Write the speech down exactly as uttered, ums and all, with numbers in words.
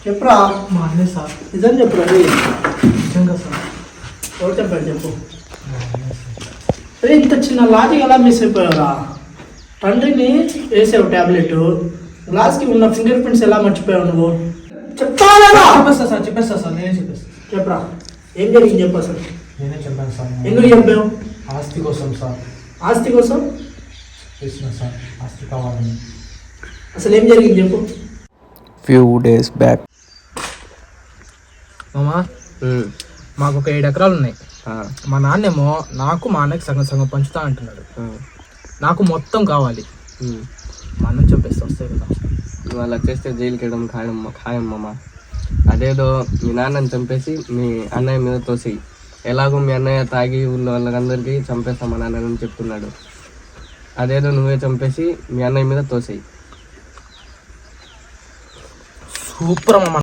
చెప్పురా. మా అన్నే సార్. నిజం చెప్పురా. నిజంగా సార్. ఎవరు చెప్పాడు చెప్పు. అరే ఇంత చిన్న లాజిక్ ఎలా మిస్ అయిపోయావురా? తండ్రిని వేసావు ట్యాబ్లెట్, గ్లాస్కి ఉన్న ఫింగర్ ప్రింట్స్ ఎలా మర్చిపోయావు నువ్వు? చెప్తావా? చెప్పేస్తా సార్, చెప్పేస్తా సార్, నేనే చెప్పేస్తా. చెప్పరా, ఏం జరిగింది చెప్పు అసలు. నేనే చెప్పాను సార్. ఎందుకు చెప్పావు? ఆస్తి కోసం సార్. ఆస్తి కోసం? చేసిన సార్, ఆస్తి కావాలని. అసలు ఏం జరిగింది చెప్పు. ఫ్యూ డేస్ బ్యాక్ మామా, మాకు ఒక ఏడు ఎకరాలు ఉన్నాయి. మా నాన్నేమో నాకు మా అన్నకి సగం సగం పంచుతా అంటున్నాడు. నాకు మొత్తం కావాలి. మా అన్నం చంపేస్తే వస్తాయి కదా. నువ్వు అలా చేస్తే జైలుకి వెళ్ళడం ఖాయం ఖాయం మామ. అదేదో మీ నాన్నని చంపేసి మీ అన్నయ్య మీద తోసేయి. ఎలాగో మీ అన్నయ్య తాగి ఊళ్ళో వాళ్ళందరికీ చంపేస్తాం మా నాన్నని చెప్తున్నాడు. అదేదో నువ్వే చంపేసి మీ అన్నయ్య మీద తోసేయి. సూపర్ మామ.